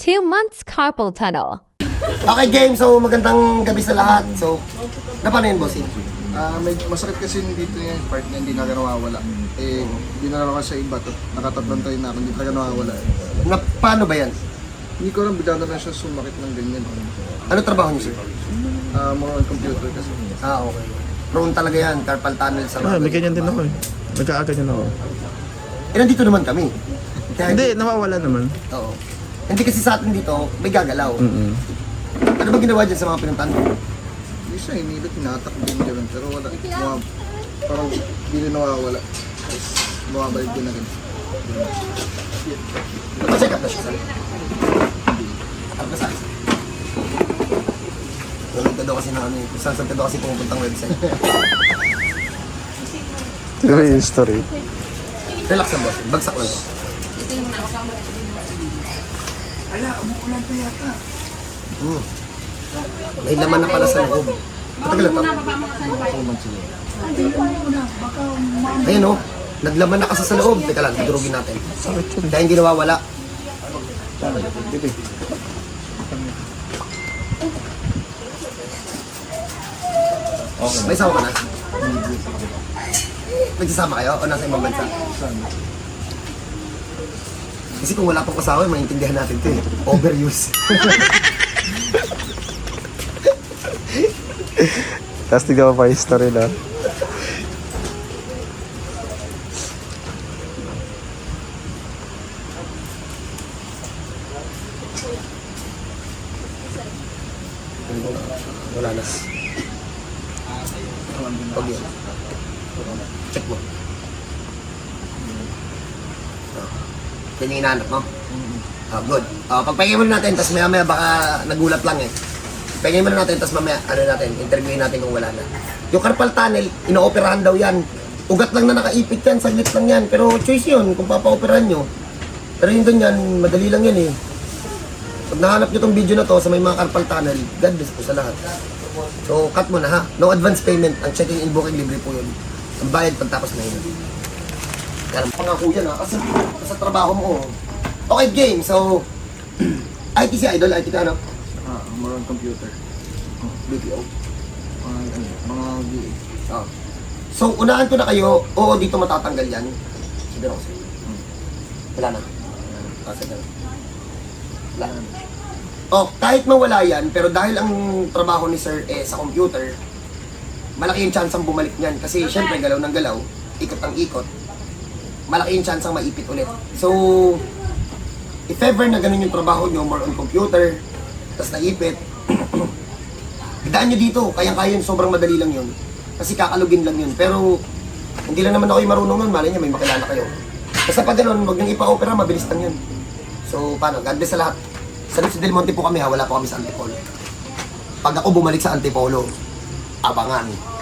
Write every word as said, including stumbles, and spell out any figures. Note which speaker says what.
Speaker 1: two months carpal tunnel.
Speaker 2: Okay, game. So, magandang gabi sa lahat. So, na paano yun, bossing?
Speaker 3: Ah, may masakit kasi dito yung part na hindi na nawawala. Eh, dinala ko sa iba, tat- nakatatlong tayo na ako, hindi talaga nawawala.
Speaker 2: Na, paano ba yan?
Speaker 3: Hindi ko lang, bigla na lang siya sumakit ng ganyan.
Speaker 2: Ano trabaho niyo, sir?
Speaker 3: Ah, mga computer kasi.
Speaker 2: Ah, okay. Prone talaga yan. Carpal tunnel sa
Speaker 4: Ah, may ganyan din ako eh. Nagkaaganyan ako.
Speaker 2: Eh, nandito naman kami. Kaya,
Speaker 4: Hindi, nawawala naman.
Speaker 2: Oo. Hindi kasi sa atin dito, may gagalaw.
Speaker 4: Mm-mm.
Speaker 2: Ano ba ginawa dyan sa mga pinuntahan mo?
Speaker 3: Hindi siya, hinilit, tinatakbo din dyan. Pero wala, mga, parang hindi na nawawala. Tapos, bumabalik din agad.
Speaker 2: Napa-check up na siya, sir? Ano sa akin? Walang ka daw kasi na ano eh. Kung saan-saan ka daw kasi pumupuntang website.
Speaker 4: Ito yung history.
Speaker 2: Relax ang boss. Bagsak lang to. Hmm. May laman na pala sa loob. Matagal na to. Ayun o. Naglaman na kasi sa loob. Teka lang, durugin natin. Kaya hindi nawawala. May sama ka na? Nagsasama kayo o nasa ibang bansa? Kasi kung wala pang kasama, maintindihan natin ito eh. Overuse.
Speaker 4: Tapos tignan mo pa yung history na.
Speaker 2: Wala na. Pag yun. Check mo. Oh. Yan yung inaanap mo? Oh, good. Oh, pagpahingin muna natin, tapos maya maya baka nagulat lang eh. Pahingin muna natin, tapos mamaya, ano natin, interviewin natin kung wala na. Yung carpal tunnel, ino-operahan daw yan. Ugat lang na nakaipit yan, saglit lang yan. Pero choice yun kung papa-operahan nyo. Pero yun doon yan, madali lang yan eh. Pag nahanap nyo tong video na to sa may mga carpal tunnel, God bless po sa lahat. So, cut mo na ha. No advance payment. Ang checking in booking libre po yun. Ang bayad pagtapos na yun. Kaya pangako yan ha. Kasi sa trabaho mo. oh. Okay, game. So, I T si Idol. I T ka ano?
Speaker 3: Ah, more on computer.
Speaker 2: B P O.
Speaker 3: Mga, ano, mga V A.
Speaker 2: Oh. So, unahan ko na kayo. Oo, dito matatanggal yan. Siguro ko sa'yo. Wala na. Ah, sige na. Wala na. Oh, kahit mawala yan, pero dahil ang trabaho ni Sir eh sa computer, malaki yung chance ang bumalik niyan. Kasi syempre, galaw ng galaw, ikot ang ikot, malaki yung chance ang maipit ulit. So, if ever na ganun yung trabaho nyo, more on computer, tapos naipit, idaan nyo dito, kayang-kaya yun, sobrang madali lang yun. Kasi kakalugin lang yun. Pero, hindi lang naman ako yung marunong nun, malay nyo, may makilala kayo. Basta pag ganun, huwag nang ipa-opera, mabilis lang yun. So, paano? God bless sa lahat. Sa Lucio Del Monte po kami ha, wala po kami sa Antipolo. Pag ako bumalik sa Antipolo, abangan.